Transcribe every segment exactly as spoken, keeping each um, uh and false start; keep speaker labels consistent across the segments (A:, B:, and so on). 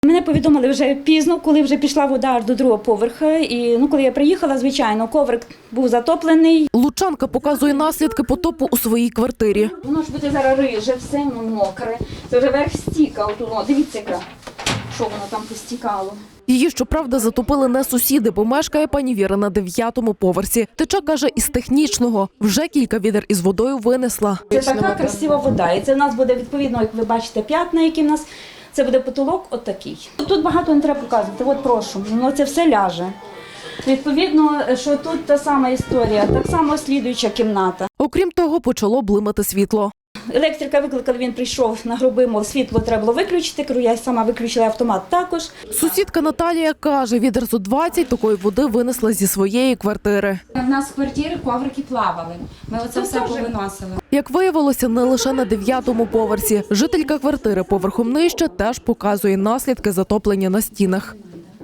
A: Мене повідомили вже пізно, коли вже пішла вода аж до другого поверху. І ну, коли я приїхала, звичайно, коврик був затоплений.
B: Лучанка показує наслідки потопу у своїй квартирі.
A: Воно ж буде зараз риже, все ну, мокре. Це вже верх стіка. От, воно. Дивіться, яка, що воно там постікало.
B: Її, щоправда, затопили не сусіди, бо мешкає пані Віра на дев'ятому поверсі. Тече, каже, із технічного. Вже кілька відер із водою винесла.
A: Це така красива вода. І це в нас буде, відповідно, як ви бачите, п'ятна, які в нас. Це буде потолок отакий. Тут багато не треба показувати, от прошу, ну це все ляже. Відповідно, що тут та сама історія, так само слідуюча кімната.
B: Окрім того, почало блимати світло.
A: Електрика викликала, він прийшов на груби, мов світло треба було виключити, кажу, я сама виключила автомат також.
B: Сусідка Наталія каже, відер зо двадцять такої води винесла зі своєї квартири.
C: У нас в квартирі коврики плавали, ми оце все повиносили.
B: Як виявилося, не лише на дев'ятому поверсі. Жителька квартири поверхом нижче теж показує наслідки затоплення на стінах.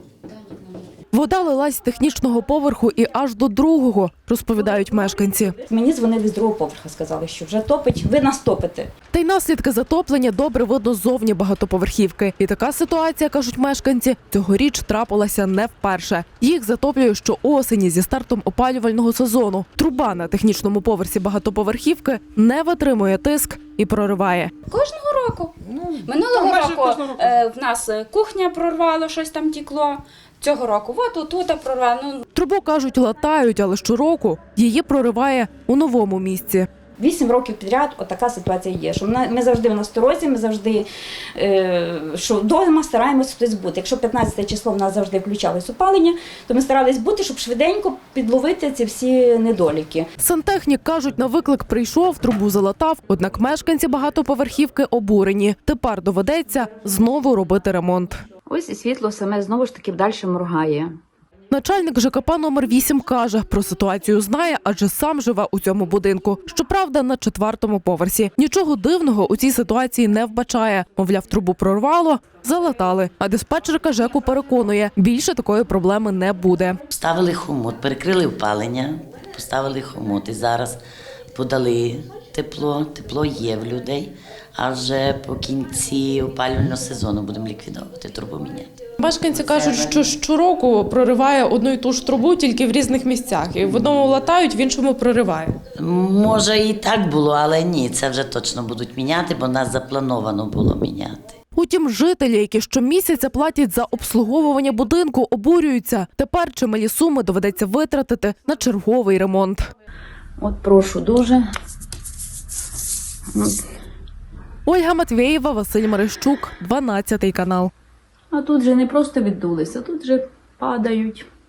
B: Вода лилась з технічного поверху і аж до другого, розповідають мешканці.
A: Мені дзвонили з другого поверха, сказали, що вже топить, ви нас топите.
B: Та й наслідки затоплення добре видно ззовні багатоповерхівки. І така ситуація, кажуть мешканці, цьогоріч трапилася не вперше. Їх затоплює щоосені зі стартом опалювального сезону. Труба на технічному поверсі багатоповерхівки не витримує тиск і прориває.
C: Кожного року. Минулого року е, в нас кухня прорвало, щось там тікло. Цього року от тут прорвало. Ну,
B: Трубу, кажуть, латають, але щороку її прориває у новому місці.
A: Вісім років підряд отака ситуація є, що ми завжди в насторозі, ми завжди, е, що вдома стараємося хтось бути. Якщо п'ятнадцяте число в нас завжди включалось опалення, то ми старались бути, щоб швиденько підловити ці всі недоліки.
B: Сантехнік, кажуть, на виклик прийшов, трубу залатав, однак мешканці багатоповерхівки обурені. Тепер доведеться знову робити ремонт.
A: Ось і світло саме знову ж таки далі моргає.
B: Начальник ЖКП номер вісім каже, про ситуацію знає, адже сам живе у цьому будинку. Щоправда, на четвертому поверсі. Нічого дивного у цій ситуації не вбачає. Мовляв, трубу прорвало, залатали. А диспетчерка ЖЕКу переконує, більше такої проблеми не буде.
D: Поставили хомут, перекрили опалення, поставили хомут і зараз подали тепло, тепло є в людей, а вже по кінці опалювального сезону будемо ліквідовувати, трубу міняти.
E: Мешканці кажуть, що щороку прориває одну і ту ж трубу, тільки в різних місцях. І в одному латають, в іншому прориває.
D: Може і так було, але ні, це вже точно будуть міняти, бо нас заплановано було міняти.
B: Утім, жителі, які щомісяця платять за обслуговування будинку, обурюються. Тепер чималі суми доведеться витратити на черговий ремонт.
A: От прошу дуже.
B: Ольга Матвєєва, Василь Мерещук, дванадцятий канал.
A: А тут же не просто віддулися, тут же падають.